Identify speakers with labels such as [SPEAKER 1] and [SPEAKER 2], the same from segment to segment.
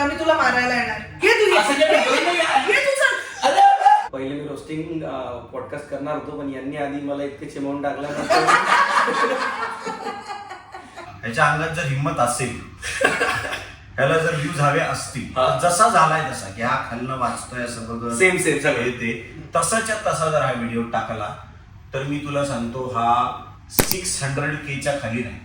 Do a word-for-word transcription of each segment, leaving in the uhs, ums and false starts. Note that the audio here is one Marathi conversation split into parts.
[SPEAKER 1] आता मी तुला मारायला येणार. घे तू घे तू चल.
[SPEAKER 2] पहिले मी रोस्टिंग पॉडकास्ट करणार होतो पण यांनी आधी मला इतके चिमवून टाकलं.
[SPEAKER 3] ह्याच्या अंगात जर हिंमत असेल ह्याला जर व्ह्यूज हवे असतील जसा झालाय तसा की हा खालनं वाचतोय असं बघ
[SPEAKER 2] सेम सेम सगळं
[SPEAKER 3] ते तसाच्या तसा जर हा व्हिडिओ टाकला तर मी तुला सांगतो हा सिक्स हंड्रेड केच्या खाली नाही.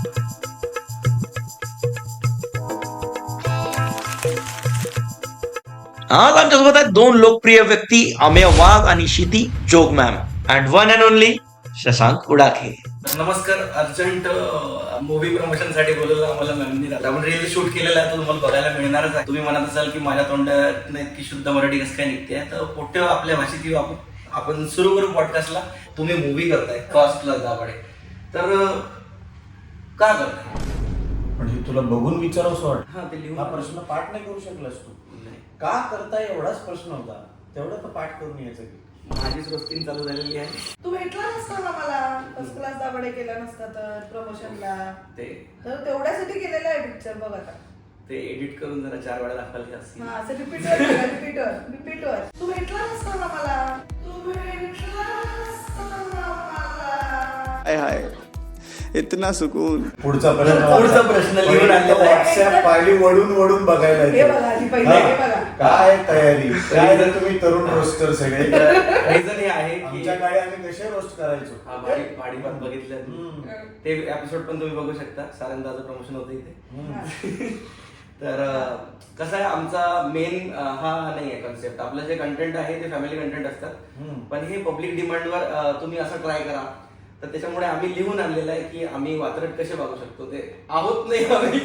[SPEAKER 4] आज आमच्यासोबत आहेत दोन लोकप्रिय व्यक्ती अमेय वाघ आणि Kshiti Jog ma'am and one and only Shashank Udakhe.
[SPEAKER 2] नमस्कार. अर्जंट मूवी प्रमोशन साठी बोलवलं आम्हाला मॅमनी. आपण रील शूट केलेला आहे तो तुम्हाला बघायला मिळणारच आहे. तुम्ही म्हणत असाल की माझ्या तोंडात इतकी शुद्ध मराठी कसं काय निघते तर पोटे आपल्या भाषेत येऊ आपण आपण सुरू करू पॉडकास्टला. तुम्ही मूवी करताय कॉस्ट प्लस दाभाडे तर का करताय?
[SPEAKER 3] पण हे तुला बघून विचारावंसं वाटतं.
[SPEAKER 2] हा ते लिहून
[SPEAKER 3] हा प्रश्न पाठ नाही करू शकलास तू. का करताय एवढाच प्रश्न होता. तेवढं तर पाठ करून यायचं की
[SPEAKER 2] माझीच रोस्टिंग चालू झालेली आहे.
[SPEAKER 1] तू भेटला नसता ना मला फर्स्ट क्लास दाभाडे केला नसता तर प्रमोशनला.
[SPEAKER 2] ते
[SPEAKER 1] तर तेवढ्यासाठी केलेला आहे पिक्चर. बघ आता
[SPEAKER 2] ते एडिट करून जरा चार वेळा दाखवायला असतील.
[SPEAKER 1] हा असं रिपीटवर रिपीटवर रिपीटवर तू भेटला नसता ना मला. तू भेटला नसता ना मला.
[SPEAKER 5] हाय हाय इतना सुकून.
[SPEAKER 3] पुढचा प्रश्न
[SPEAKER 2] पुढचा प्रश्न लिहून आणलेला आहे.
[SPEAKER 3] व्हॉट्सअप पायरी वडून वडून बघायला
[SPEAKER 1] हे
[SPEAKER 3] येतं.
[SPEAKER 1] बघा आधी पहिले हे बघा.
[SPEAKER 3] काय तयारी काय रे तुम्ही तरुण रोस्टर सगळे.
[SPEAKER 2] रिझन हे आहे की
[SPEAKER 3] आमच्या काळी आम्ही कसे रोस्ट करायचो.
[SPEAKER 2] हा भाडी भाडीपात बघितलं ते एपिसोड पण तुम्ही बघू शकता. सारंदाचं प्रमोशन होतं इथे. तर कसं आहे आमचा मेन हा नाही आहे कॉन्सेप्ट. आपलं जे कंटेंट आहे ते फॅमिली कंटेंट असतात पण हे पब्लिक डिमांडवर तुम्ही असं ट्राय करा तर त्याच्यामुळे आम्ही लिहून आणलेलं आहे की आम्ही वात्रट कसे बघू शकतो. ते आहोत नाही आम्ही.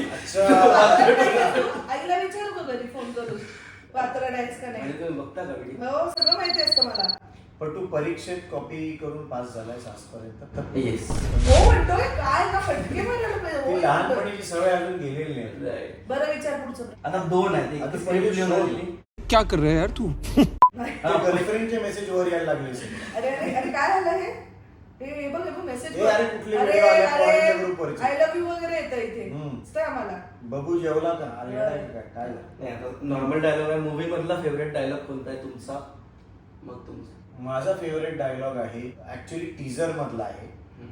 [SPEAKER 1] आईला विचारू का घरी फोन करून वात्रट आहेस का
[SPEAKER 2] आणि
[SPEAKER 1] नाही.
[SPEAKER 2] तुम्ही बघता का व्हिडिओ?
[SPEAKER 1] हो सगळं माहिती असतं मला.
[SPEAKER 3] पण तू परीक्षेत कॉपी करून पास झालाय आजपर्यंत.
[SPEAKER 2] येस.
[SPEAKER 1] हो म्हणतोय काय का फटके मारायला पाहिजे. हो
[SPEAKER 3] ती
[SPEAKER 1] म्हणतोय.
[SPEAKER 3] लहानपणीची सवय अजून गेलेली नाही.
[SPEAKER 1] बरं विचार पुढचं.
[SPEAKER 2] आता दोन आहेत.
[SPEAKER 3] आता
[SPEAKER 2] एक
[SPEAKER 3] पहिली
[SPEAKER 2] लिहून
[SPEAKER 3] शोध.
[SPEAKER 2] आणलेली.
[SPEAKER 5] क्या कर रहे यार तू.
[SPEAKER 3] गर्लफ्रेंडचे मेसेज वर यायला लागले सगळे.
[SPEAKER 1] अरे अरे अरे काय झालं हे हे बघ हे बघ मेसेज.
[SPEAKER 3] ए, अरे, कुठले video आले पोरांच्या ग्रुपवरचे?
[SPEAKER 1] आय लव्ह यू वगैरे येतं इथे.
[SPEAKER 3] हम्म.
[SPEAKER 1] दिसतंय आम्हाला.
[SPEAKER 3] बघू जेवला का अरे येडा आहे का काय झालं?
[SPEAKER 2] नाही आता नॉर्मल डायलॉग आहे. मूवी मधला फेवरेट डायलॉग कोणता आहे तुमचा? मग तुमचा.
[SPEAKER 3] माझा फेवरेट डायलॉग आहे ऍक्च्युली टीजर मधला आहे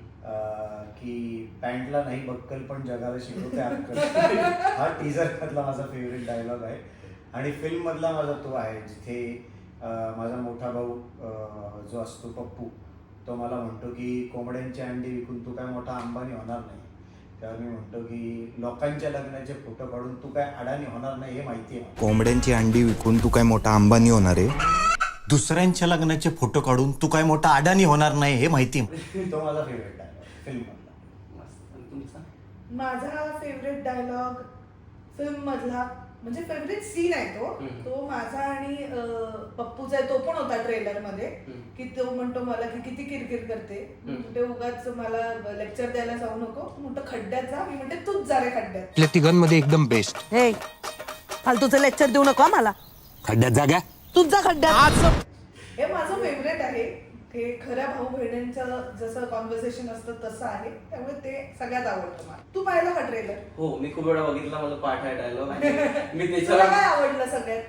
[SPEAKER 3] अं, की पॅन्टला नाही बक्कल पण जगाला शिकवते अक्कल. हा टीजर मधला माझा फेवरेट डायलॉग आहे. आणि फिल्म मधला माझा तो आहे जिथे अं, माझा मोठा भाऊ अं, जो असतो पप्पू तो मला म्हणतो की कोंबड्यांची अंडी विकून तू काय मोठा अंबानी होणार नाही. तेव्हा मी म्हणतो की लोकांच्या लग्नाचे फोटो काढून तू काय अडाणी होणार नाही हे माहिती आहे.
[SPEAKER 6] कोंबड्यांची अंडी विकून तू काय मोठा अंबानी होणार आहे. दुसऱ्यांच्या लग्नाचे फोटो काढून तू काय मोठा अडाणी होणार नाही हे माहिती.
[SPEAKER 3] तो माझा फेवरेट डायलॉग फिल्म मधला.
[SPEAKER 2] मस्त. आणि तुमचा?
[SPEAKER 1] माझा फेवरेट डायलॉग फिल्म मधला म्हणजे फेवरेट सीन आहे तो. तो माझा आणि अं, पप्पूचा आहे. तो पण होता ट्रेलर मध्ये की तो म्हणतो मला की किती किरकिर करते ते उगाच मला लेक्चर द्यायला जाऊ नको. म्हणतो खड्ड्यात जा. मी म्हणते तूच जा रे खड्ड्यात.
[SPEAKER 5] आपल्या तिघांमध्ये एकदम बेस्ट.
[SPEAKER 7] हे फालतूचं लेक्चर देऊ नको मला.
[SPEAKER 5] खड्ड्यात जागा
[SPEAKER 7] तूच जा खड्ड्यात.
[SPEAKER 1] हे माझं फेवरेट आहे. हे खऱ्या भाऊ बहिणींचं जसं कॉन्व्हर्सेशन असतं तसं आहे. त्यामुळे ते सगळ्यात आवडतं मला. तू पाहिलं का ट्रेलर?
[SPEAKER 2] हो मी खूप वेळा बघितला. मला पाठ आहे डायलॉग. मी
[SPEAKER 1] तुला
[SPEAKER 2] त्याच्यावर
[SPEAKER 1] काय आवडलं सगळ्यात?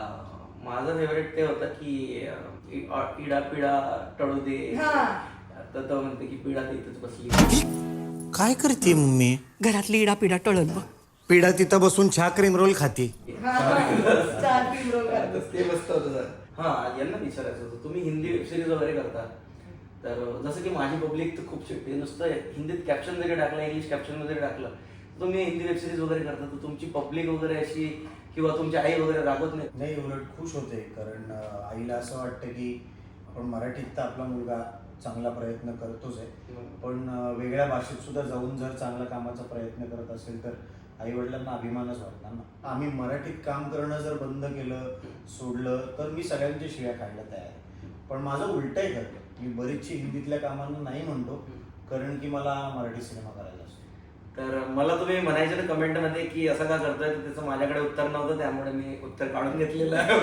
[SPEAKER 2] अं, माझं फेवरेट ते होतं की अं, इ- इडा पिडा टळू दे.
[SPEAKER 1] हा.
[SPEAKER 2] तर तो म्हणते की पिढा तर इथंच बसली.
[SPEAKER 6] काय करते मम्मी.
[SPEAKER 7] घरातली इडा पिडा टळल बघ.
[SPEAKER 6] पिढा तिथं बसून चहा क्रीम रोल खाते.
[SPEAKER 1] हा, चार तीन रोल करतो.
[SPEAKER 2] ते मस्त होतं सर. हा यांना विचारायचं होतं तुम्ही हिंदी वेबसिरीज वगैरे करता तर जसं की माझी पब्लिक तर खूप शिकते. नुसतं हिंदीत कॅप्शन जरी टाकलं इंग्लिश कॅप्शन जरी टाकलं तर तुम्ही हिंदी वेबसिरीज वगैरे करता तर तुमची पब्लिक वगैरे अशी किंवा तुमची आई वगैरे रागवत नाही?
[SPEAKER 3] नाही उलट खुश होते कारण अं, आईला असं वाटतं की आपण मराठीत तर आपला मुलगा चांगला प्रयत्न करतोच आहे पण अं, वेगळ्या भाषेत सुद्धा जाऊन जर चांगल्या कामाचा प्रयत्न करत असेल तर आई वडिलांना अभिमानच वाटणार ना. आम्ही मराठीत काम करणं जर बंद केलं सोडलं तर मी सगळ्यांच्या शिव्या खायला तयार आहे. पण माझं उलटही करतो. मी बरीचशी हिंदीतल्या कामांना नाही म्हणतो कारण की मला मराठी सिनेमा करायला असतो.
[SPEAKER 2] तर मला तुम्ही म्हणायचे ना कमेंटमध्ये की असं का करतोय तर त्याचं माझ्याकडे उत्तर नव्हतं त्यामुळे मी उत्तर काढून घेतलेलं आहे.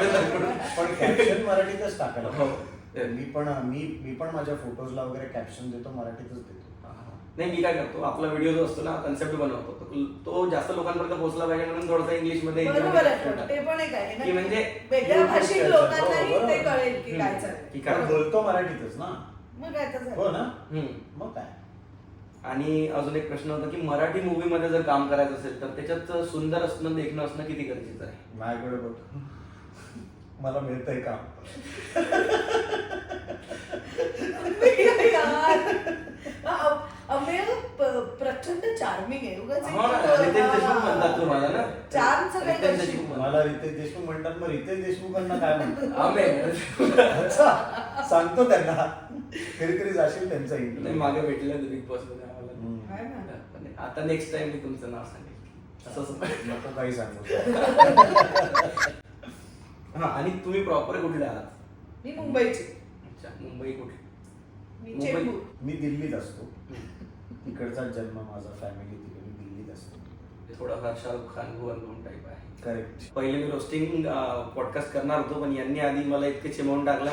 [SPEAKER 3] पण कॅप्शन मराठीतच टाकायला
[SPEAKER 2] हो.
[SPEAKER 3] मी पण मी मी पण माझ्या फोटोजला वगैरे कॅप्शन देतो मराठीतच देतो.
[SPEAKER 2] नाही मी काय करतो आपला व्हिडिओ जो असतो ना कन्सेप्ट बनवतो तो जास्त लोकांपर्यंत पोहोचला पाहिजे म्हणून थोडंसं इंग्लिश मध्ये
[SPEAKER 1] बरोबर आहे पण ते पण एक आहे ना
[SPEAKER 2] की म्हणजे
[SPEAKER 1] वेगळ्या भाषिक
[SPEAKER 3] हो,
[SPEAKER 1] लोकांनाही
[SPEAKER 3] बरोबर.
[SPEAKER 1] ते कळेल की काय
[SPEAKER 2] की
[SPEAKER 1] चालेल
[SPEAKER 2] काय
[SPEAKER 3] कारण बोलतो मराठीतच ना.
[SPEAKER 1] मग काय तर
[SPEAKER 3] हो
[SPEAKER 1] झालं.
[SPEAKER 3] ना.
[SPEAKER 2] हम्म.
[SPEAKER 3] मग काय.
[SPEAKER 2] आणि अजून एक प्रश्न होता की मराठी मूवी मध्ये जर काम करायचं असेल तर त्याच्यात सुंदर असणं देखणं असणं किती गरजेचं आहे?
[SPEAKER 3] माझ्याकडे बघ, मला मिळतंय काम.
[SPEAKER 1] यार. अ- अमेय प- प्रचंड चार्मिंग आहे उगाच
[SPEAKER 2] हो ना, रितेश देशमुख म्हणतात तुम्हाला ना.
[SPEAKER 1] चार्मचं काही
[SPEAKER 2] रितेश
[SPEAKER 1] करशील.
[SPEAKER 2] देशमुख म्हणतात.
[SPEAKER 3] मला रितेश देशमुख म्हणतात, मग रितेश देशमुखांना काय म्हणतात?
[SPEAKER 2] आमेय.
[SPEAKER 3] अच्छा, सांगतो त्यांना, कधीतरी जाशील त्यांचा
[SPEAKER 2] नाही,
[SPEAKER 3] इंटरव्ह्यू.
[SPEAKER 2] मागे भेटलं बिग बॉस मध्ये आम्हाला.
[SPEAKER 1] आहे ना.
[SPEAKER 2] पण आता नेक्स्ट टाइम मी तुमचं नाव सांगेल असं असं.
[SPEAKER 3] नको काही सांगू.
[SPEAKER 2] हा, आणि तुम्ही प्रॉपर कुठले आहात?
[SPEAKER 1] मी मुंबईची
[SPEAKER 2] अच्छा, मुंबई कुठे?
[SPEAKER 1] मी
[SPEAKER 2] मुंबई.
[SPEAKER 1] चेंबूर.
[SPEAKER 3] मी दिल्लीत असतो. तिकडचा जन्म माझा, फॅमिली तिकडे, मी दिल्लीत असतो.
[SPEAKER 2] थोडासा शाहरुख खान भुवन दोन टाईप आहे.
[SPEAKER 3] करेक्ट.
[SPEAKER 2] पहिले मी रोस्टिंग पॉडकास्ट करणार होतो पण यांनी आधी मला इतके चिमवून टाकलं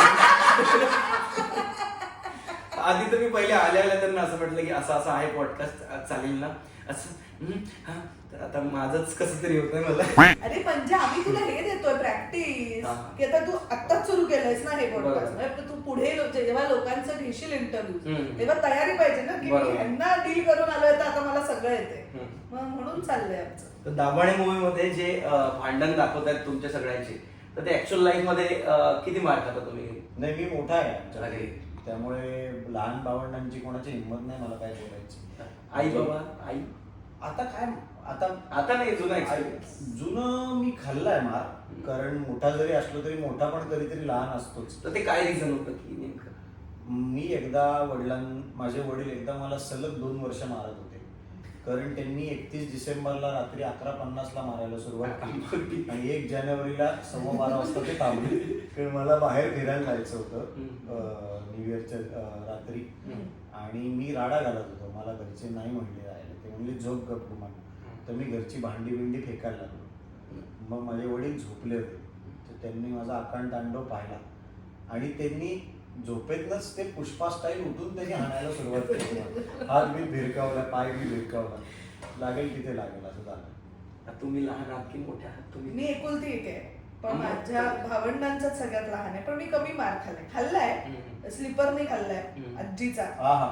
[SPEAKER 2] आधी तर मी पहिले आल्या आल्या त्यांना असं म्हटलं की असं असं आहे पॉडकास्ट चालेल ना असं. हम्म, हा. तर आता माझंच कसं तरी होतंय मला.
[SPEAKER 1] अरे म्हणजे आम्ही तुला हे देतोय प्रॅक्टिस
[SPEAKER 2] हा.
[SPEAKER 1] की आता तू आत्ताच सुरू केलंयस ना हे पॉडकास्ट
[SPEAKER 2] बरोबर.
[SPEAKER 1] तू पुढे लो- जेव्हा लोकांचं घेशील इंटरव्ह्यू
[SPEAKER 2] हम्म.
[SPEAKER 1] तेव्हा तयारी पाहिजे ना की मी
[SPEAKER 2] बरोबर.
[SPEAKER 1] ह्यांना डील करून आलोय तर आता मला सगळं येते
[SPEAKER 2] हम्म.
[SPEAKER 1] मग म्हणून चाललंय आमचं.
[SPEAKER 2] तर दाभाडे मूवी मध्ये जे अं, भांडण दाखवतात तुमच्या सगळ्यांचे तर ते ऍक्च्युअल लाईफ मध्ये अं, किती मार खाता तुम्ही?
[SPEAKER 3] नाही, मी मोठा आहे आमच्याकडे.
[SPEAKER 2] अरे.
[SPEAKER 3] त्यामुळे लहान भावंडांची कोणाची हिंमत नाही मला काय बोलायची.
[SPEAKER 2] आई बाबा आई
[SPEAKER 3] आता काय, आता
[SPEAKER 2] आता नाही जुना एक्सपिरियन्स.
[SPEAKER 3] जुनं मी खाल्लाय मार, कारण मोठा जरी असलो तरी मोठा पण कधीतरी लहान असतोच.
[SPEAKER 2] तर ते काय रिझन होतं की नेमकं?
[SPEAKER 3] मी एकदा वडिलां माझे वडील एकदा मला सलग दोन वर्ष मारत होते, कारण त्यांनी एकतीस डिसेंबरला रात्री अकरा पन्नासला मारायला सुरुवात केली आणि एक जानेवारीला सव्वा बारा वाजता ते थांबले. कारण मला बाहेर फिरायला जायचं होतं न्यू इयरच्या अं, रात्री, आणि मी राडा घालत होतो. मला घरचे नाही म्हणले राहिले, ते म्हणले झोप गप गुमान. तर मी घरची भांडी बिंडी फेकायला लागलो. मग माझे वडील झोपले होते, तर त्यांनी माझा आकांड तांडव पाहिला आणि त्यांनी झोपेतनंच ते पुष्पा स्टाईल उठून त्यांनी हाणायला सुरुवात केली. हात मी भिरकावला, पाय मी भिरकावला, लागेल तिथे लागेल असं झालं.
[SPEAKER 2] आता तुम्ही लहान आहात की मोठे आहात तुम्ही?
[SPEAKER 1] मी एकुलती एक आहे पण
[SPEAKER 2] हम्म.
[SPEAKER 1] माझ्या भावंडांचाच सगळ्यात लहान आहे पण मी कमी मार खाल्लाय खाल्लाय
[SPEAKER 2] हम्म.
[SPEAKER 1] स्लीपर नाही खाल्लाय
[SPEAKER 2] हम्म.
[SPEAKER 1] आजीचा
[SPEAKER 3] आहा,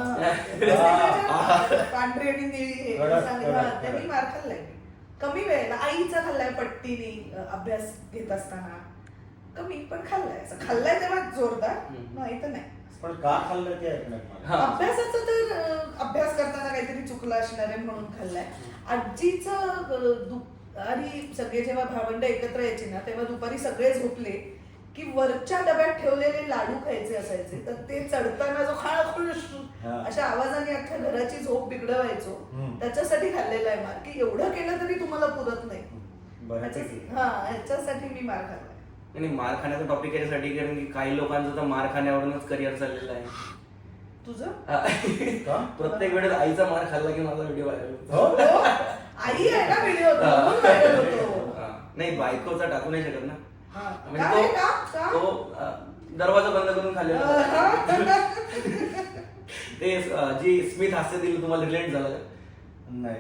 [SPEAKER 3] आहा.
[SPEAKER 1] पांढरी आणि निळी हे
[SPEAKER 3] कडक,
[SPEAKER 1] सांगितलं,
[SPEAKER 3] कडक,
[SPEAKER 1] हा, त्यांनी
[SPEAKER 3] कडक.
[SPEAKER 1] मार खाल्लाय मी. कमी वेळेला आईचा खाल्लाय पट्टीने अ, अभ्यास घेत असताना कमी पण खाल्लाय असं खाल्लाय तेव्हा जोरदार
[SPEAKER 2] हम्म.
[SPEAKER 1] नाही तर नाही.
[SPEAKER 3] पण का खाल्लं ते ऐकणार मला.
[SPEAKER 2] हा.
[SPEAKER 1] अभ्यासाचं तर अ, अभ्यास करताना काहीतरी चुकलं असणार आहे म्हणून खाल्लाय. आजीचं अ, दुपारी सगळे जेव्हा भावंड एकत्र यायचे ना तेव्हा दुपारी सगळे झोपले की वरच्या डब्यात ठेवलेले लाडू खायचे असायचे तर ते चढताना जो खाळखुळ
[SPEAKER 3] हा.
[SPEAKER 1] अशा आवाजाने अख्ख्या घराची झोप बिघडवायचो.
[SPEAKER 3] हम्म.
[SPEAKER 1] त्याच्यासाठी खाल्लेला आहे मार की एवढं केलं तरी तुम्हाला पुरत नाही.
[SPEAKER 3] बऱ्यापैकी.
[SPEAKER 1] ह्याच्या- हा ह्याच्यासाठी मी मार खाल्लाय.
[SPEAKER 2] आणि मार खाण्याचा टॉपिक याच्यासाठी कारण की काही लोकांचं तर मार खाण्यावरूनच करिअर चाललेलं आहे.
[SPEAKER 1] तुझं
[SPEAKER 3] का?
[SPEAKER 2] प्रत्येक वेळेस आईचा मार खाल्ला की माझा व्हिडिओ व्हायरल
[SPEAKER 3] हो?
[SPEAKER 1] हो. आई आहे ना व्हिडिओ म्हणून viral होतो.
[SPEAKER 2] नाही बायकोचा टाकू नाही शकत ना.
[SPEAKER 1] हा.
[SPEAKER 2] म्हणजे
[SPEAKER 1] काय का?
[SPEAKER 2] तो
[SPEAKER 1] का?
[SPEAKER 2] तो अं, दरवाजा बंद करून खाल्लेला होता. ते अं, जी स्मिथ हास्य दिली तुम्हाला रिलेट झालं का?
[SPEAKER 3] नाही,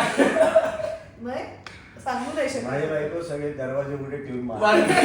[SPEAKER 1] नाही सांगू नाही
[SPEAKER 3] माझी
[SPEAKER 1] शकत.
[SPEAKER 3] बायको सगळे दरवाजे उघडे ठेवून मार.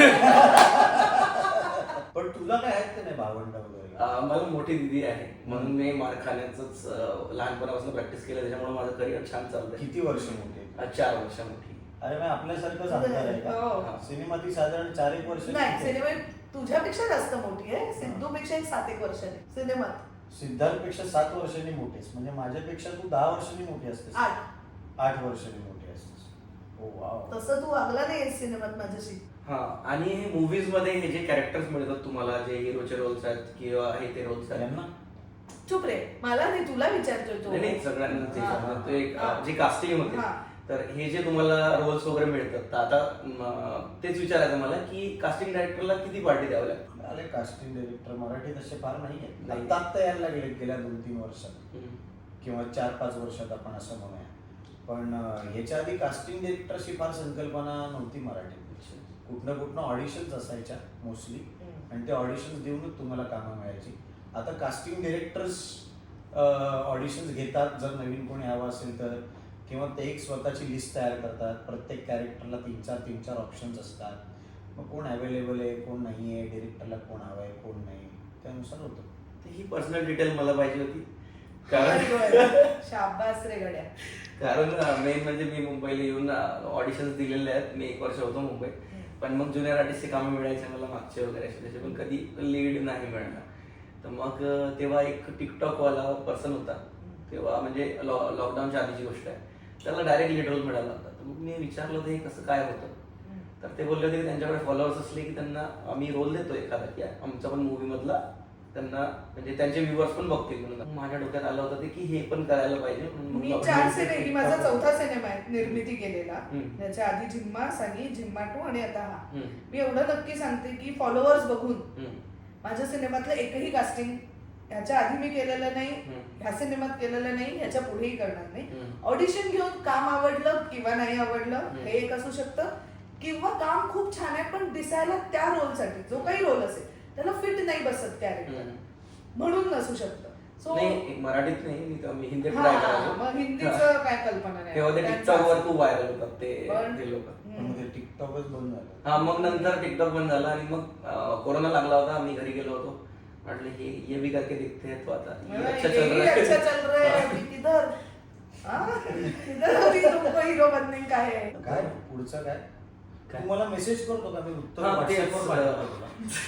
[SPEAKER 3] पण तुला काय आहेत का नाही भावंड वगैरे?
[SPEAKER 2] अं, मला मोठी दिदी आहे म्हणून मी मार खाण्याचंच अं, लहानपणापासून प्रॅक्टिस केलं त्याच्यामुळे माझं करिअर छान चाललंय.
[SPEAKER 3] किती वर्ष मोठे?
[SPEAKER 2] अं, चार वर्ष मोठी.
[SPEAKER 3] अरे मग आपल्यासारखंच अंतर आहे
[SPEAKER 1] हो.
[SPEAKER 3] का? सिनेमाती साधारण चार एक वर्ष.
[SPEAKER 1] नाही सिनेमा तुझ्यापेक्षा जास्त मोठी आहे. सिद्धूपेक्षा एक सात एक वर्षाने सिनेमात
[SPEAKER 3] सिद्धार्थपेक्षा सात वर्षांनी मोठेस, म्हणजे माझ्यापेक्षा तू दहा वर्षांनी मोठी असतेस.
[SPEAKER 1] आठ
[SPEAKER 3] आठ वर्षांनी मोठी असतेस. ओ वाव.
[SPEAKER 1] तसं तू वागला नाही सिनेमात माझ्याशी.
[SPEAKER 2] हा आणि मूवीज मध्ये हे जे कॅरेक्टर्स मिळतात तुम्हाला जे हिरोचे रोल्स आहेत किंवा हे ते रोल्स आहेत
[SPEAKER 3] यांना
[SPEAKER 1] चुप रे मला नाही तुला विचारतोय तो.
[SPEAKER 2] नाही, नाही सगळ्यांना ते
[SPEAKER 1] हा.
[SPEAKER 2] समजतं. तो एक
[SPEAKER 1] हा.
[SPEAKER 2] अं, जी कास्टिंग होते
[SPEAKER 1] हा.
[SPEAKER 2] तर हे जे तुम्हाला रोल्स वगैरे मिळतात तर आता म, तेच विचारायचं मला की कास्टिंग डायरेक्टरला किती पार्टी द्यावं लागतं?
[SPEAKER 3] अरे कास्टिंग डायरेक्टर मराठीत असे फार नाही आहेत.
[SPEAKER 2] नाही.
[SPEAKER 3] आता आत्ता यायला लागले गेल्या दोन तीन वर्षात
[SPEAKER 2] हम्म.
[SPEAKER 3] किंवा चार पाच वर्षात आपण असं म्हणूया. पण अं, ह्याच्या आधी कास्टिंग डायरेक्टरची फार संकल्पना नव्हती मराठीत. कुठनं कुठनं ऑडिशन्स असायच्या मोस्टली आणि ते ऑडिशन्स देऊनच तुम्हाला कामं मिळायची. आता कास्टिंग डायरेक्टर्स ऑडिशन्स घेतात जर नवीन कोणी हवं असेल तर, किंवा ते एक स्वतःची लिस्ट तयार करतात. प्रत्येक कॅरेक्टरला तीन चार तीन चार ऑप्शन्स असतात. मग कोण अवेलेबल आहे, कोण नाही आहे, डिरेक्टरला कोण हवं आहे, कोण नाही, त्यानुसार होतं.
[SPEAKER 2] तर ही पर्सनल डिटेल मला पाहिजे होती. कारण
[SPEAKER 1] शाबास रे गड्या.
[SPEAKER 2] कारण मेन म्हणजे मी मुंबईला येऊन ऑडिशन्स दिलेले आहेत. मी एक वर्ष होतो मुंबईत, पण मग ज्युनियर आर्टिस्टचे कामं मिळायचे मला मागचे वगैरे असे त्याचे, पण कधी लीड नाही मिळणार. तर मग तेव्हा एक टिकटॉकवाला पर्सन होता, तेव्हा म्हणजे लॉ लॉकडाऊनच्या आधीची गोष्ट आहे. त्याला डायरेक्ट लीड रोल मिळाला होता. तर मग मी विचारलं होतं हे कसं काय होतं. तर ते बोलले होते की त्यांच्याकडे फॉलोअर्स असले की त्यांना आम्ही रोल देतो एखादा, की आमचा पण मूवी मधला त्यांना म्हणजे त्यांचे व्ह्युअर्स पण बघतील म्हणून. माझ्या डोक्यात आलं होतं ते की हे पण करायला पाहिजे म्हणून मग
[SPEAKER 1] मी
[SPEAKER 2] आपण
[SPEAKER 1] चार
[SPEAKER 2] हे
[SPEAKER 1] सिनेमे, माझा चौथा सिनेमा आहे निर्मिती केलेला.
[SPEAKER 2] हम्म.
[SPEAKER 1] त्याच्या आधी झिम्मा, सानी, झिम्मा टू आणि आता हा.
[SPEAKER 2] हम्म.
[SPEAKER 1] मी एवढं नक्की सांगते की फॉलोअर्स बघून
[SPEAKER 2] हम्म.
[SPEAKER 1] माझ्या सिनेमातलं एकही कास्टिंग ह्याच्या आधी मी केलेलं नाही,
[SPEAKER 2] हम्म.
[SPEAKER 1] ह्या सिनेमात केलेलं नाही, ह्याच्या पुढेही करणार नाही.
[SPEAKER 2] हम्म.
[SPEAKER 1] ऑडिशन घेऊन काम आवडलं किंवा नाही आवडलं
[SPEAKER 2] हम्म.
[SPEAKER 1] हे एक असू शकतं, किंवा काम खूप छान आहे पण दिसायला त्या रोलसाठी जो काही रोल असेल त्याला फिट नाही बसत कॅरेक्टर
[SPEAKER 2] हम्म.
[SPEAKER 1] म्हणून नसू शकतं. सो
[SPEAKER 2] नाही मराठीत नाही, मी तर- मी हिंदीत
[SPEAKER 1] हा,
[SPEAKER 2] ट्राय
[SPEAKER 1] हा,
[SPEAKER 2] करायचो.
[SPEAKER 1] मग हिंदीचं
[SPEAKER 2] हा.
[SPEAKER 1] काय कल्पना नाही.
[SPEAKER 2] तेव्हा ते
[SPEAKER 1] त्यांचं
[SPEAKER 2] टिकटॉक वर
[SPEAKER 1] असं.
[SPEAKER 2] खूप व्हायरल होतात ते
[SPEAKER 1] पण-
[SPEAKER 2] ते लोक.
[SPEAKER 3] पण
[SPEAKER 1] हम्म.
[SPEAKER 3] मग ते टिकटॉकच बंद झालं.
[SPEAKER 2] हा मग नंतर टिकटॉक बंद झाला आणि मग अं, कोरोना लागला होता. आम्ही घरी गेलो होतो. म्हटलं हे ये भी करके दिखते हैं तो आता ये
[SPEAKER 1] मला
[SPEAKER 2] अच्छा
[SPEAKER 1] ये
[SPEAKER 2] चल
[SPEAKER 1] ही
[SPEAKER 2] रहा है.
[SPEAKER 1] अच्छा चल रहा है अभी किधर हाँ? किधर अभी तुमको हीरो बनने का है.
[SPEAKER 3] काय पुढचं काय
[SPEAKER 2] काय?
[SPEAKER 3] तू मला मेसेज करतो का, मी उत्तर
[SPEAKER 2] हा,
[SPEAKER 3] WhatsApp
[SPEAKER 2] तेच,
[SPEAKER 3] वर पाठवतो तुला.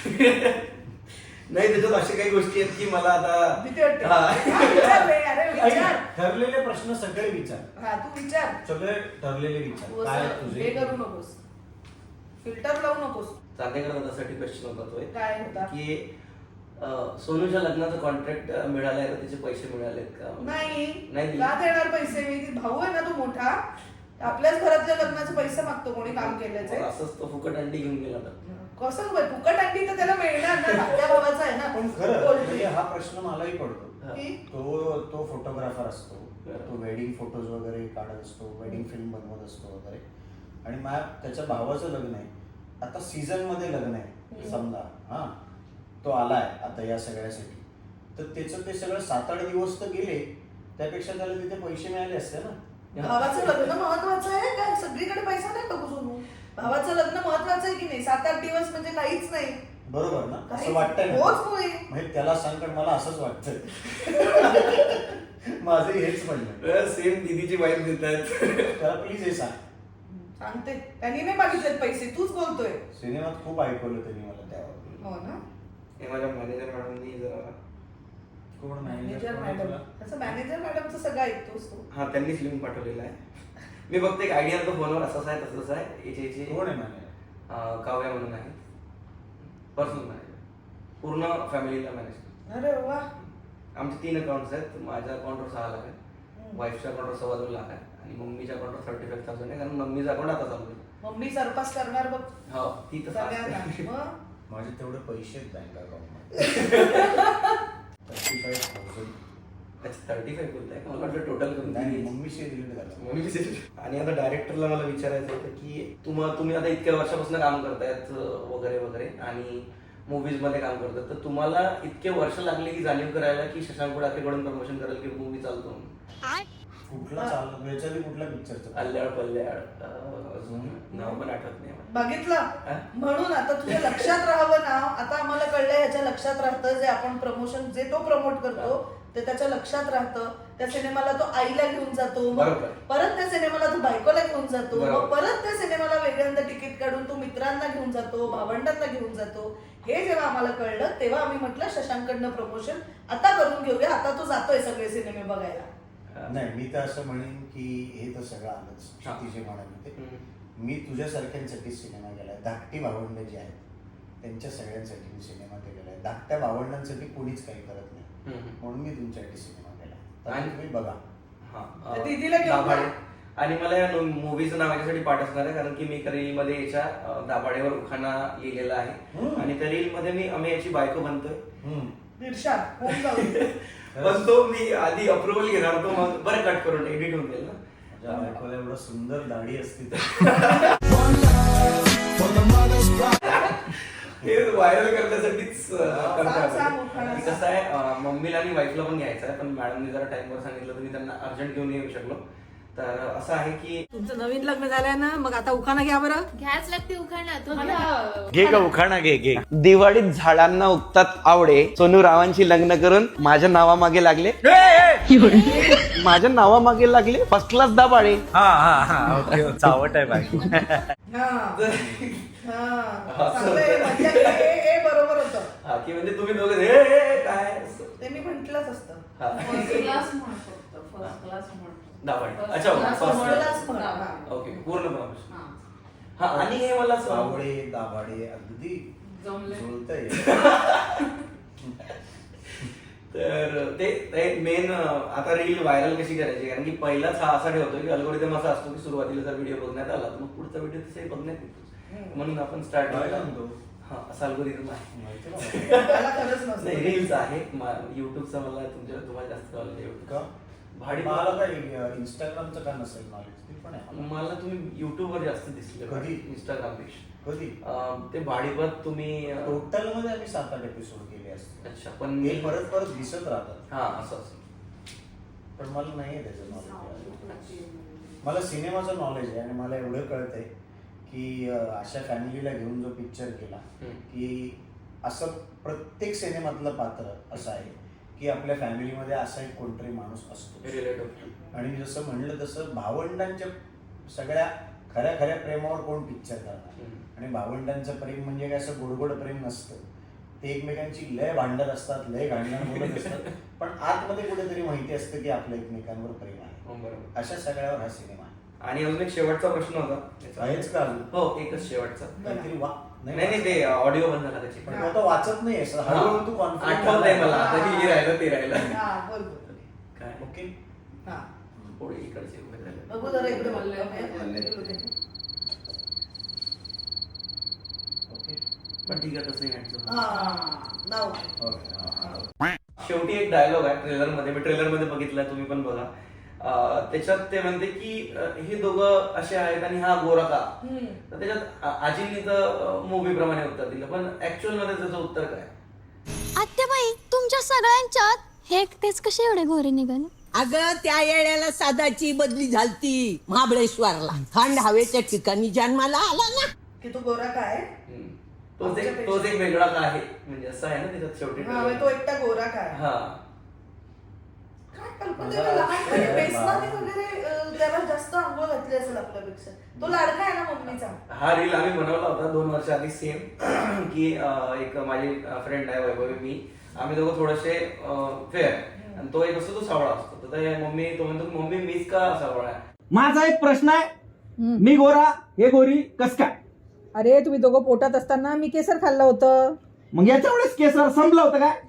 [SPEAKER 2] नाही त्याच्यात अशा काही गोष्टी आहेत की मला आता
[SPEAKER 1] भीती वाटते.
[SPEAKER 2] हा.
[SPEAKER 1] हा, विचार रे, अरे विचार.
[SPEAKER 3] ऐक, ठरलेले प्रश्न सगळे विचार,
[SPEAKER 1] हा तू विचार.
[SPEAKER 3] सगळे ठरलेले
[SPEAKER 1] तू
[SPEAKER 3] विचार. काय
[SPEAKER 1] असं
[SPEAKER 3] तुझे
[SPEAKER 1] हे करू नकोस, फिल्टर लावू नकोस.
[SPEAKER 2] चांदेकर दादासाठी क्वेश्चन होता तो एक,
[SPEAKER 1] काय होता?
[SPEAKER 2] की अं, सोनूच्या लग्नाचं कॉन्ट्रॅक्ट मिळालंय का, त्याचे पैसे मिळालेत का?
[SPEAKER 1] नाही
[SPEAKER 2] नाही दिले?
[SPEAKER 1] का देणार पैसे? मी भाऊ आहे ना तो मोठा, आपल्याच घरातल्या लग्नाचे पैसे मागतो कोणी काम केल्याचे.
[SPEAKER 2] मग असंच तो फुकट अंडी घेऊन गेला तर.
[SPEAKER 1] कसं बाई, फुकट अंडी तर त्याला मिळणार ना, धाकट्या भावाचा आहे ना.
[SPEAKER 3] पण खरं
[SPEAKER 1] पोल्ट्री.
[SPEAKER 3] म्हणजे हा प्रश्न मलाही पडतो.
[SPEAKER 1] की
[SPEAKER 3] तो तो फोटोग्राफर असतो, तो वेडिंग फोटोज वगैरे काढत असतो, वेडिंग फिल्म बनवत असतो वगैरे, आणि माझ्या त्याच्या भावाचं लग्न आहे आता, सीझन मध्ये लग्न आहे समजा, हा तो आलाय आता या सगळ्यासाठी, तर त्याचं ते सगळं सात आठ दिवस तर गेले, त्यापेक्षा त्याला तिथे पैसे मिळाले असते ना.
[SPEAKER 1] भावाचं लग्न महत्वाचं आहे काय? सगळीकडे पैसा नाही बघू सोनू. भावाचं लग्न महत्वाचं आहे की नाही? सात आठ दिवस म्हणजे काहीच नाही.
[SPEAKER 3] बरोबर ना,
[SPEAKER 1] काहीच
[SPEAKER 3] असं वाटतंय
[SPEAKER 1] नाही.
[SPEAKER 3] ना.
[SPEAKER 1] होच होय.
[SPEAKER 3] म्हणजे त्याला सांग, कारण मला असंच वाटतंय. माझं हेच म्हणणं,
[SPEAKER 2] सेम दीदीची वाईफ देत आहेत.
[SPEAKER 3] त्याला प्लीज हे सांग.
[SPEAKER 1] सांगते, त्यांनी नाही मागितलेत पैसे, तूच बोलतोय.
[SPEAKER 3] सिनेमात खूप ऐकवलं त्यांनी मला त्यावर.
[SPEAKER 1] हो ना.
[SPEAKER 2] हे माझ्या मॅनेजर मॅडमनी जरा
[SPEAKER 3] कोण
[SPEAKER 1] मॅनेजर
[SPEAKER 3] मॅनेजर
[SPEAKER 1] मॅडम, असं मॅनेजर मॅडमचं सगळं ऐकतोस तू.
[SPEAKER 2] हा त्यांनीच लिहून पाठवलेलं आहे. मी फक्त एक आयडिया तो फोनवर असंच आहे तसंच आहे. याचे याचे
[SPEAKER 3] कोण आहे मॅनेजर?
[SPEAKER 2] अं, काव्या म्हणून आहे, पर्सनल मॅनेजर, पूर्ण फॅमिलीला मॅनेज.
[SPEAKER 1] अरे वा.
[SPEAKER 2] आमचे तीन अकाउंट्स आहेत. माझ्या अकाउंटवर सहा लाख आहे, वाईफच्या अकाउंटवर सव्वा दोन लाख आहे, आणि मम्मीच्या अकाउंटवर थर्टी फाईव्ह थाउजंड आहे, कारण मम्मीचं अकाउंट आता चालू आहे.
[SPEAKER 1] मम्मी सरपास करणार बघ
[SPEAKER 2] हो ती तर fast
[SPEAKER 1] सगळ्यांना.
[SPEAKER 2] आहे.
[SPEAKER 1] मग
[SPEAKER 3] माझे तेवढे पैसे आहेत बँक अकाउंटमध्ये. Thirty five thousand.
[SPEAKER 2] अच्छा थर्टी फाईव्ह बोलताय का? मला वाटलं टोटल करून
[SPEAKER 3] नाही,
[SPEAKER 2] दिली.
[SPEAKER 3] मम्मीशी डिलीट झालं.
[SPEAKER 2] मम्मीचे- आणि आता डायरेक्टरला मला विचारायचं होतं की तुम्हा तुम्ही आता इतक्या वर्षापासून काम करतायत अं, वगैरे वगैरे, आणि मूवीज मध्ये काम करतात, तर तुम्हाला इतके वर्ष लागले की जाणीव करायला की शशांक उडाखेकडून प्रमोशन करेल की मूवी चालतो म्हणून?
[SPEAKER 3] कुठला चालू याच्याआधी कुठला पिक्चरचं?
[SPEAKER 2] अल्ल्याळ पल्ल्याळ अं, अजून नाव पण आठवत नाही मला.
[SPEAKER 1] बघितलं
[SPEAKER 2] हा?
[SPEAKER 1] म्हणून आता तुझ्या लक्षात राहावं नाव. आता आम्हाला कळलंय ह्याच्या लक्षात राहतं, जे आपण प्रमोशन जे तो प्रमोट करतो ते त्याच्या लक्षात राहतं. त्या सिनेमाला तो आईला घेऊन जातो, मग
[SPEAKER 2] बरोबर.
[SPEAKER 1] परत त्या सिनेमाला तो बायकोला घेऊन जातो,
[SPEAKER 2] बरोबर.
[SPEAKER 1] मग परत त्या सिनेमाला वेगळ्यांदा तिकीट काढून तो मित्रांना घेऊन जातो, भावंडांना घेऊन जातो. हे जेव्हा आम्हाला कळलं तेव्हा आम्ही म्हटलं शशांकडनं प्रमोशन आता करून घेऊया. आता तो जातोय सगळे सिनेमे बघायला.
[SPEAKER 3] नाही, मी तर असं म्हणेन की हे तर सगळं आलंच,
[SPEAKER 2] हा.
[SPEAKER 3] क्षिती जे म्हणाले ते.
[SPEAKER 2] हम्म.
[SPEAKER 3] मी तुझ्यासारख्यांसाठी सिनेमा केलाय. धाकटी भावंड जी आहेत त्यांच्या सगळ्यांसाठी मी सिनेमा केलेला आहे. धाकट्या भावंडांसाठी कोणीच काही करत नाही,
[SPEAKER 2] हम्म.
[SPEAKER 3] म्हणून मी तुमच्यासाठी सिनेमा केला. तर
[SPEAKER 2] आणि-
[SPEAKER 3] तुम्ही बघा.
[SPEAKER 2] हा,
[SPEAKER 1] तर
[SPEAKER 2] अं,
[SPEAKER 1] दीदीला घेऊन
[SPEAKER 2] दाभाडे.
[SPEAKER 1] जा.
[SPEAKER 2] आणि मला या मूवीचं नाव याच्यासाठी पाठ असणार आहे कारण की मी त्या रील मध्ये याच्या अं, दाभाडेवर उखाणा लिहिलेला आहे,
[SPEAKER 3] हम्म.
[SPEAKER 2] आणि त्या रील मध्ये मी आम्ही याची बायको बनतोय.
[SPEAKER 3] हम्म.
[SPEAKER 1] इर्षाद होऊन जाऊ.
[SPEAKER 2] पण तो मी आधी अप्रुव्हल घेणार होतो, मग बरं कट करून एडिट होऊन जाईल
[SPEAKER 3] माझ्या
[SPEAKER 2] ना.
[SPEAKER 3] बायकोला एवढं सुंदर दाढी असती तर
[SPEAKER 2] हे व्हायरल करण्यासाठीच अं, करतोय
[SPEAKER 1] सांग, सांग,
[SPEAKER 2] आपण.
[SPEAKER 1] उखाणा
[SPEAKER 2] की कसं आहे, अं, मम्मीला आणि वाईफला पण घ्यायचं आहे, पण मॅडमने जरा टाइमवर सांगितलं तर मी त्यांना अर्जंट घेऊन येऊ शकलो. तर असं आहे की
[SPEAKER 7] तुमचं नवीन लग्न झालंय ना, मग आता उखाणा घ्या बरं.
[SPEAKER 8] घ्याच लागते उखाणा तो घ्या.
[SPEAKER 6] घे का उखाणा घे घे
[SPEAKER 4] दिवाळीत झाडांना उगतात आवडे, सोनू रावांची लग्न करून माझ्या नावामागे लागले. माझ्या नावामागे लागले फर्स्ट क्लास दाबाळे.
[SPEAKER 3] हा हा हा ओके चावट आहे बाई.
[SPEAKER 1] हा हा चांगलंय, मज्जा केली. हे हे बरोबर होतं.
[SPEAKER 2] हा की म्हणजे तुम्ही दोघे हे हे, हे, काय असं.
[SPEAKER 1] ते मी म्हंटलच असतं.
[SPEAKER 2] हा.
[SPEAKER 8] फर्स्ट क्लास म्हण फक्त फर्स्ट क्लास म्हण.
[SPEAKER 2] दाभाडे.
[SPEAKER 8] First
[SPEAKER 2] अच्छा,
[SPEAKER 8] class
[SPEAKER 2] first
[SPEAKER 8] म्हण.
[SPEAKER 1] class म्हण. हा.
[SPEAKER 2] ओके पूर्ण promotion.
[SPEAKER 8] हा.
[SPEAKER 2] हा आणि हे मला सांग-
[SPEAKER 3] चावडे दाभाडे अगदी
[SPEAKER 8] जमले.
[SPEAKER 3] जुळतंय.
[SPEAKER 2] तर ते मेन आता रील व्हायरल कशी करायची, कारण की पहिलाच हा असा ठेवतो की अल्गोरिदम असा असतो की सुरुवातीला जर व्हिडिओ बघण्यात आला तर मग पुढचा व्हिडिओ तसंही बघण्यात येतो. म्हणून आपण स्टार्ट
[SPEAKER 3] काय सांगतो?
[SPEAKER 2] हा असा अल्गोरिदम आहे.
[SPEAKER 3] माहिती ना?
[SPEAKER 1] मला खरंच नसतं.
[SPEAKER 2] नाही रील्स आहे युट्यूबचा मला तुमच्या तुम्हाला जास्त नॉलेज आहे
[SPEAKER 3] का?
[SPEAKER 2] भाडी
[SPEAKER 3] मला काही इंस्टाग्रामचं का नसेल नॉलेज ते पण आहे.
[SPEAKER 2] मला तुम्ही युट्यूबवर जास्त दिसले
[SPEAKER 3] कधी?
[SPEAKER 2] इंस्टाग्राम पेक्षा.
[SPEAKER 3] कधी
[SPEAKER 2] अं, ते भाडीपत तुम्ही अं,
[SPEAKER 3] टोटल मध्ये आम्ही सात आठ एपिसोड केले असते.
[SPEAKER 2] अच्छा पण
[SPEAKER 3] हे परत परत दिसत राहतात.
[SPEAKER 2] हा असं असं
[SPEAKER 3] पण मला नाही आहे त्याचं नॉलेज. मला सिनेमाचं नॉलेज आहे आणि मला एवढं कळतंय की अं, अशा फॅमिलीला घेऊन जो पिक्चर केला
[SPEAKER 2] हम्म.
[SPEAKER 3] की असं प्रत्येक सिनेमातलं पात्र असं आहे की आपल्या फॅमिलीमध्ये असा एक कोणतरी माणूस असतो.
[SPEAKER 2] रिलेटिव्ह
[SPEAKER 3] आणि मी जसं म्हणलं तसं भावंडांच्या सगळ्या खऱ्या खऱ्या प्रेमावर कोण पिक्चर करणार. आणि भावंडांचं प्रेम म्हणजे काय असं गोडगोड प्रेम नसतं. ते एकमेकांची लय भांडण असतात, लय गांडण बोलत असतात, पण आतमध्ये कुठेतरी माहिती असतं की आपलं एकमेकांवर प्रेम आहे.
[SPEAKER 2] बरोबर.
[SPEAKER 3] अशा सगळ्यावर हा सिनेमा आहे.
[SPEAKER 2] आणि अजून एक शेवटचा प्रश्न होता याचा.
[SPEAKER 3] आहेच का अजून?
[SPEAKER 2] हो एकच शेवटचा.
[SPEAKER 3] काहीतरी वा
[SPEAKER 2] नाही नाही ते ऑडिओ बंद झाला त्याची
[SPEAKER 3] पण तो आता वाचत नाही असं हळूहळू तू कॉन्फिडन्स
[SPEAKER 2] आठवत आहे मला आता की हे राहिलं ते राहिलं.
[SPEAKER 1] हा बोल बोल.
[SPEAKER 2] काय
[SPEAKER 3] ओके.
[SPEAKER 1] हा
[SPEAKER 2] थोडी इकडचे उभे झाले.
[SPEAKER 1] बघू जरा इकडे
[SPEAKER 8] बोलले.
[SPEAKER 3] ओके.
[SPEAKER 2] पण ठीक आहे तसंही घ्यायचं.
[SPEAKER 1] हा नाव
[SPEAKER 3] ओके. हा, हा.
[SPEAKER 2] शेवटी एक डायलॉग आहे ट्रेलर मध्ये, मी ट्रेलर मध्ये बघितलाय, तुम्ही पण बघा. अं, त्याच्यात ते म्हणते की अं, हे दोघं असे आहेत आणि हा गोरा का. तर त्याच्यात आ- आजींनी तर मूवी प्रमाणे उत्तर दिलं, पण ऍक्च्युअल मध्ये त्याचं उत्तर काय?
[SPEAKER 9] आत्याबाई तुमच्या सगळ्यांच्यात हे एकटेच कसे एवढे गोरे निघाले?
[SPEAKER 7] अगं त्या येड्याला सादाची बदली झालती महाबळेश्वरला, थंड हवेच्या ठिकाणी जन्माला आला ना.
[SPEAKER 1] की तू गोरा काय
[SPEAKER 2] हम्म. तोच एक तोच एक वेगळा का आहे म्हणजे असं आहे ना त्याच्यात शेवटी
[SPEAKER 1] हा म्हणजे तो एकटा गोरा काय
[SPEAKER 2] हा
[SPEAKER 1] काय कल्पना त्याला लहानपणी बेसनाने वगैरे अं, त्याला जास्त आंघोळ घातली असेल आपल्यापेक्षा. तो लाडका आहे ना मम्मीचा.
[SPEAKER 2] हा रील आम्ही बनवला होता दोन वर्ष आधी सेम की अं, एक माझी फ्रेंड आहे वैभवी, मी आम्ही दोघं थोडेसे फेअर आणि तो एक असतो तो सावळा असतो. तर ते मम्मी तो म्हणतो मम्मी मीच का सावळा आहे.
[SPEAKER 10] माझा एक प्रश्न आहे, मी गोरा हे गोरी कस काय?
[SPEAKER 7] अरे तुम्ही दोघं पोटात असताना मी केसर खाल्लं होतं.
[SPEAKER 10] मग याच्या वेळेस केसर संपलं होतं काय?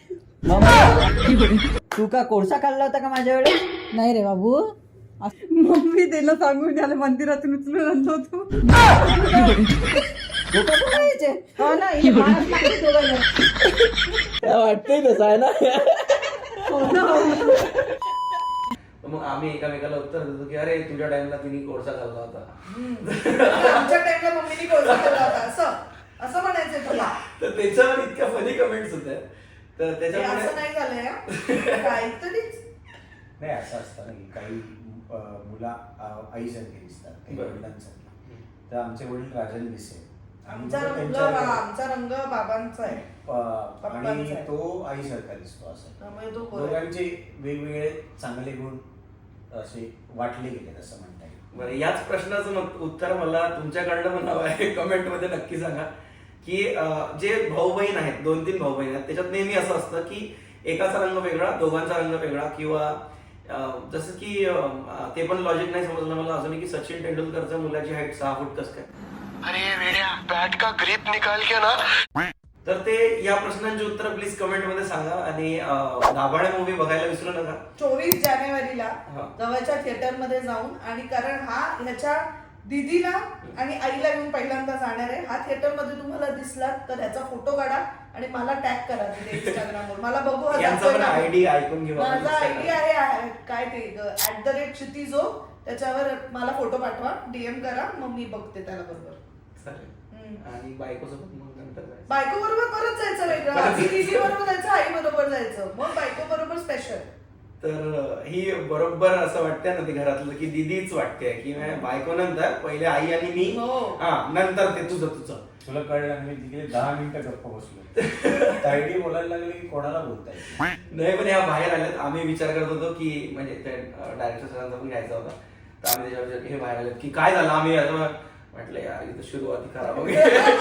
[SPEAKER 7] तू का कोळसा खाल्ला होता का माझ्या वेळेस? नाही रे बाबू, मम्मी त्याला सांगून त्याला मंदिरातून उचलून आणलो होतो. हो ना, हे माणूस लागते दोघांना.
[SPEAKER 10] वाटतंय तसं आहे ना.
[SPEAKER 7] हो ना, हो ना.
[SPEAKER 2] तर मग आम्ही एकामेकाला उत्तर देतो की अरे तुझ्या टाइमला तिने कोळसा खाल्ला होता.
[SPEAKER 1] आमच्या टाइमला मम्मीने कोळसा खाल्ला होता असं असं म्हणायचंय तुला.
[SPEAKER 2] तर त्याच्यावर इतक्या फनी कमेंट्स होत्या. तर
[SPEAKER 1] हे
[SPEAKER 2] त्याच्यामुळे
[SPEAKER 1] असं नाही झालंय हा. काहीतरीच
[SPEAKER 3] नाही असं असतं ना की काही अं, मुला अं, आईसारखे दिसतात, काही
[SPEAKER 2] बरं.
[SPEAKER 3] वडिलांसारखे. तर आमचे वडील राजन दिसे. आणि
[SPEAKER 1] आमचा
[SPEAKER 3] मग
[SPEAKER 1] रंग
[SPEAKER 3] त्यांच्या-
[SPEAKER 1] आमचा रंग बाबांचा आहे.
[SPEAKER 3] अं, आणि
[SPEAKER 1] पप्पांचा आहे.
[SPEAKER 3] तो आईसारखा दिसतो असं.
[SPEAKER 1] त्यामुळे तो गोरा.
[SPEAKER 3] दोघांचे वेगवेगळे चांगले गुण असे वाटले गेले असं म्हणता येईल.
[SPEAKER 2] बरं याच प्रश्नाचं मग उत्तर मला तुमच्याकडनं पण हवं आहे. कमेंट मध्ये नक्की सांगा की अं, जे भाऊ बहीण आहेत, दोन तीन भाऊ बहीण आहेत, त्याच्यात नेहमी असं असतं की एकाचा रंग वेगळा, दोघांचा रंग वेगळा, किंवा अं, जसं की अं, ते पण लॉजिक नाही समजलं मला अजूनही की सचिन तेंडुलकरच्या मुलाची हाईट सहा फूट कस काय. तर ते या प्रश्नांची उत्तर प्लीज कमेंट मध्ये सांगा. आणि अं, दाभाडे मूवी बघायला विसरू नका.
[SPEAKER 1] चोवीस जानेवारीला
[SPEAKER 2] हा.
[SPEAKER 1] जवळच्या थिएटर मध्ये जाऊन, आणि कारण हा ह्याच्या दीदीला आणि आईला घेऊन पहिल्यांदा जाणार आहे. हा थिएटर मध्ये तुम्हाला दिसला तर ह्याचा फोटो काढा आणि मला टॅग करा तिथे इंस्टाग्रामवर. मला बघू हा
[SPEAKER 2] यांचा
[SPEAKER 1] जातोय
[SPEAKER 2] पण
[SPEAKER 1] का.
[SPEAKER 2] आयडी ऐकून घेऊ आपण
[SPEAKER 1] माझा आयडी
[SPEAKER 2] Instagram.
[SPEAKER 1] आहे आहे, काय ते ऍट द रेट क्षितिजो, त्याच्यावर मला फोटो पाठवा, डीएम करा, मग मी बघते त्याला बरोबर.
[SPEAKER 2] चालेल.
[SPEAKER 1] हम्म.
[SPEAKER 2] आणि बायकोसोबत मग नंतर जायचं.
[SPEAKER 1] बायको बरोबर परत जायचं वेगळं, आधी दीदी बरोबर जायचं, आई बरोबर जायचं, मग बायको बरोबर स्पेशल.
[SPEAKER 2] तर ही बरोबर असं वाटतंय ना ते घरातलं की दीदीच वाटते की बायको नंतर पहिले आई आणि मी
[SPEAKER 1] हो.
[SPEAKER 2] हा नंतर ते तुझं तुझं.
[SPEAKER 3] तुला कळलं मी तिकडे दहा मिनिटं गप्प बसलो तायडी बोलायला लागले की कोणाला बोलताय.
[SPEAKER 2] नाही पण ह्या बाहेर आल्यात. आम्ही विचार करत होतो की म्हणजे डायरेक्टर सरांचा पण घ्यायचा होता तर आम्ही त्याच्यावर विचार हे बाहेर आलेत की काय झालं. आम्ही असं म्हटलं यार इथं सुरुवाती खराब वगैरे.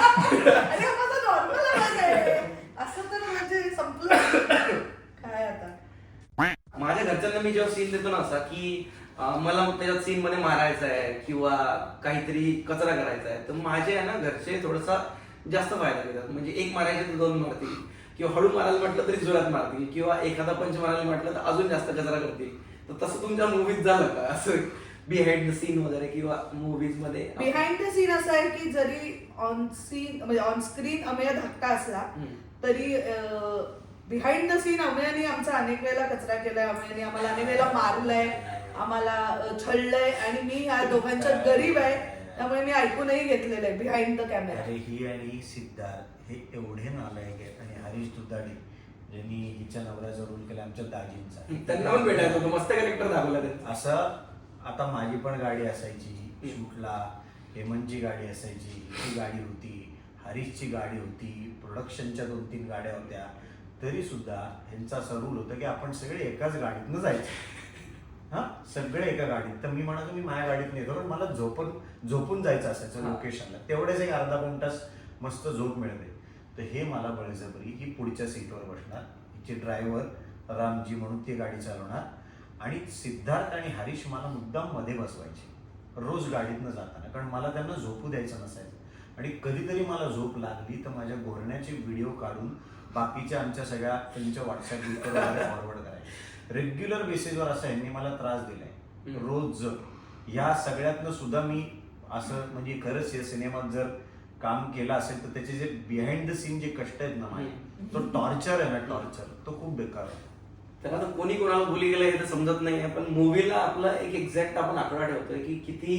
[SPEAKER 1] अरे हा माझा नॉर्मल आवाज आहे असं तर म्हणजे संपलं काय आता.
[SPEAKER 2] माझ्या घरच्यांना मी जेव्हा सीन देतो ना असा की अं, मला त्याच्यात सीन मध्ये मारायचा आहे किंवा काहीतरी कचरा करायचा आहे तर माझे आहे ना घरचे थोडासा जास्त फायदा घेतात. म्हणजे एक मारायचे तर दोन मारतील किंवा हळू मारायला म्हटलं तरी जोरात मारतील किंवा एखादा पंच मारायला म्हटलं तर अजून जास्त कचरा करतील. तर तसं तुमच्या मूवीज झालं का असं बिहाइंड द सीन वगैरे किंवा मूवीज मध्ये?
[SPEAKER 1] बिहाइंड द सीन असं आहे की जरी ऑन सीन म्हणजे ऑन स्क्रीन अमेय धाकटा असला तरी बिहाइंड द सीन अमेयाने आमचा अनेक वेळेला कचरा केलाय. अमेयाने आम्हाला अनेक वेळेला मारलंय, आम्हाला अ, छळलंय आणि मी ह्या दोघांच्यात गरीब आहे त्यामुळे मी ऐकूनही घेतलेलं आहे बिहाइंड द कॅमेरा.
[SPEAKER 3] अरे ही आणि सिद्धार्थ हे एवढे नालायक आहेत आणि हरीश दुधाडे ज्यांनी हिच्या नवऱ्याचा रोल केला आमच्या दाजींचा.
[SPEAKER 2] त्यांना पण भेटायचं होतं. मस्त कॅरेक्टर दाखवला त्यांचा.
[SPEAKER 3] असं आता माझी पण गाडी असायची शूटला, हेमंतची गाडी असायची, ही गाडी होती, हरीशची गाडी होती, प्रोडक्शनच्या दोन तीन गाड्या होत्या. तरी सुद्धा ह्यांचा असा रूल होता की आपण सगळे एकाच गाडीतनं जायचं. हा सगळे एका गाडीत. तर मी म्हणालो मी माझ्या गाडीत नाही कारण मला झोपून झोपून जायचं असायचं लोकेशनला. तेवढेच एक अर्धा दोन तास मस्त झोप मिळते. तर हे मला बळजबरी ही पुढच्या सीटवर बसणार, हिचे ड्रायव्हर रामजी म्हणून ती गाडी चालवणार आणि सिद्धार्थ आणि हरीश मला मुद्दाम मध्ये बसवायचे रोज गाडीतनं जाताना कारण मला त्यांना झोपू द्यायचं नसायचं. आणि कधीतरी मला झोप लागली तर माझ्या घोरण्याचे व्हिडिओ काढून बाकीच्या आमच्या सगळ्या त्यांच्या व्हॉट्सअप ग्रुपवर फॉरवर्ड करायचे. रेग्युलर बेसिसवर असं यांनी मला त्रास दिलाय रोज. या सगळ्यातनं सुद्धा मी असं म्हणजे खरंच या सिनेमात जर काम केलं असेल तर त्याचे जे बिहाइंड द सीन जे कष्ट आहेत ना माझे तो टॉर्चर आहे ना टॉर्चर तो खूप बेकार आहे.
[SPEAKER 2] तर आता कोणी कोणाला बोली गेलं हे तर समजत नाही पण मूवीला आपला एक एक्झॅक्ट आपण आकडा ठेवतोय की किती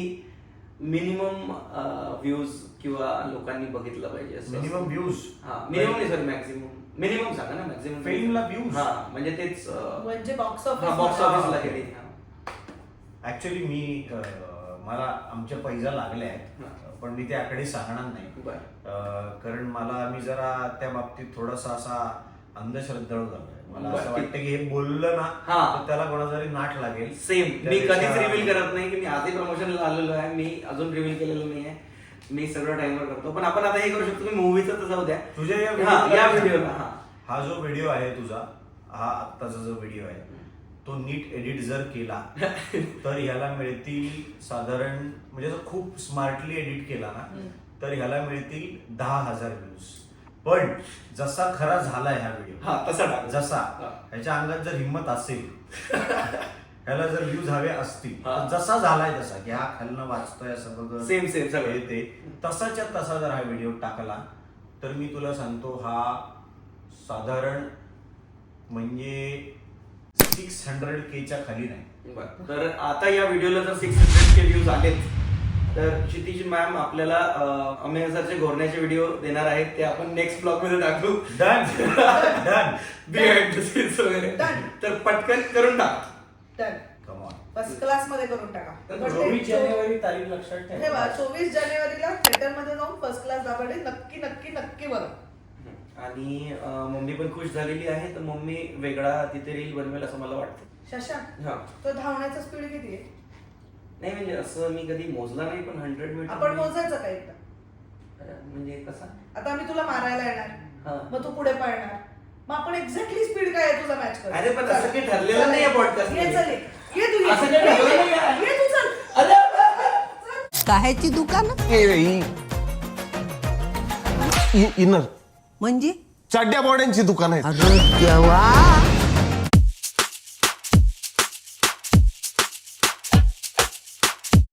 [SPEAKER 2] मिनिमम व्ह्यूज किंवा लोकांनी बघितलं पाहिजे.
[SPEAKER 3] मिनिमम व्ह्यूज
[SPEAKER 2] हा मिनिमम नाही सर मॅक्झिमम. मिनिमम सांगा ना मॅक्झिमम
[SPEAKER 3] फिल्मला व्ह्यूज
[SPEAKER 2] हा म्हणजे तेच
[SPEAKER 1] म्हणजे बॉक्स
[SPEAKER 2] बॉक्स
[SPEAKER 1] ऑफिस
[SPEAKER 2] ऑफिसला गेली.
[SPEAKER 3] ऍक्च्युली मी अं, मला आमच्या पैजा लागल्या आहेत पण मी ते आकडे सांगणार नाही अं, कारण मला मी जरा त्या बाबतीत थोडासा असा अंधश्रद्धाळू झालोय. मला असं वाटतं की हे बोललं ना तर त्याला कोणाचा तरी नाट लागेल.
[SPEAKER 2] सेम मी कधीच रिव्हील करत नाही की मी आधी प्रमोशनला आलेलो आहे. मी अजून रिव्हील केलेलं नाही आहे. मी सगळं टाइमवर करतो पण आपण आता हे करू शकतो की मूवीचं तर जाऊ द्या
[SPEAKER 3] तुझ्या या
[SPEAKER 2] हा, या व्हिडिओला हा
[SPEAKER 3] हा जो व्हिडिओ आहे तुझा हा आत्ताचा जो व्हिडिओ आहे तो नीट एडिट जर केला तर ह्याला मिळतील साधारण म्हणजे जर खूप स्मार्टली एडिट केला ना तर ह्याला मिळतील दहा हजार व्ह्यूज. पण जसा खरा झालाय हा व्हिडिओ
[SPEAKER 2] हा तसा टाक.
[SPEAKER 3] जसा ह्याच्या अंगात जर हिंमत असेल ह्याला जर व्ह्यूज हवे असतील तर जसा झालाय तसा की हा खालनं वाचतोय असं बघ
[SPEAKER 2] सेम सेम सगळं
[SPEAKER 3] ते तसाच्या तसा जर हा व्हिडिओ टाकला तर मी तुला सांगतो हा साधारण म्हणजे सिक्स हंड्रेड केच्या खाली नाही.
[SPEAKER 2] बरं. तर आता या व्हिडिओला जर सिक्स हंड्रेड के व्ह्यूज आलेत तर क्षितिज मॅम आपल्याला अमेय सरचे घोरण्याचे व्हिडिओ देणार आहेत ते आपण नेक्स्ट ब्लॉग मध्ये टाकू.
[SPEAKER 3] Done done
[SPEAKER 2] behind the scenes वगैरे तर पटकन करून टाक.
[SPEAKER 1] Done
[SPEAKER 3] come on.
[SPEAKER 1] First class मध्ये करून टाका.
[SPEAKER 3] चोवीस जानेवारी तारीख लक्षात
[SPEAKER 1] ठेवा
[SPEAKER 3] ठेवा.
[SPEAKER 1] चोवीस जानेवारीला थिएटर मध्ये जाऊन फर्स्ट क्लास दाबाडे नक्की नक्की नक्की बघा.
[SPEAKER 2] आणि अं, मम्मी पण खुश झालेली आहे तर मम्मी वेगळा तिथे रील बनवेल असं मला वाटतं.
[SPEAKER 1] शशांक
[SPEAKER 2] हा
[SPEAKER 1] तो धावण्याचा स्पीड किती आहे?
[SPEAKER 2] नाही म्हणजे असं मी कधी मोजला नाही पण हंड्रेड मीटर
[SPEAKER 1] आपण मोजायचं का एकदा?
[SPEAKER 2] म्हणजे कसा
[SPEAKER 1] आता आम्ही तुला मारायला येणार
[SPEAKER 2] हा.
[SPEAKER 1] मग तू पुढे पळणार मग आपण एक्झॅक्टली स्पीड काय आहे तुझा मॅच कर.
[SPEAKER 2] अरे पण असं काही ठरलेलं नाही आहे पॉडकास्ट
[SPEAKER 1] ये चल ये. ये तू ये.
[SPEAKER 2] असं काही ठरलेलं नाही आहे.
[SPEAKER 1] ये तू चल.
[SPEAKER 7] काह्याची दुकान
[SPEAKER 5] इनर
[SPEAKER 7] म्हणजे
[SPEAKER 5] चड्ड्या बॉड्यांची दुकान आहे.
[SPEAKER 7] अरे देवा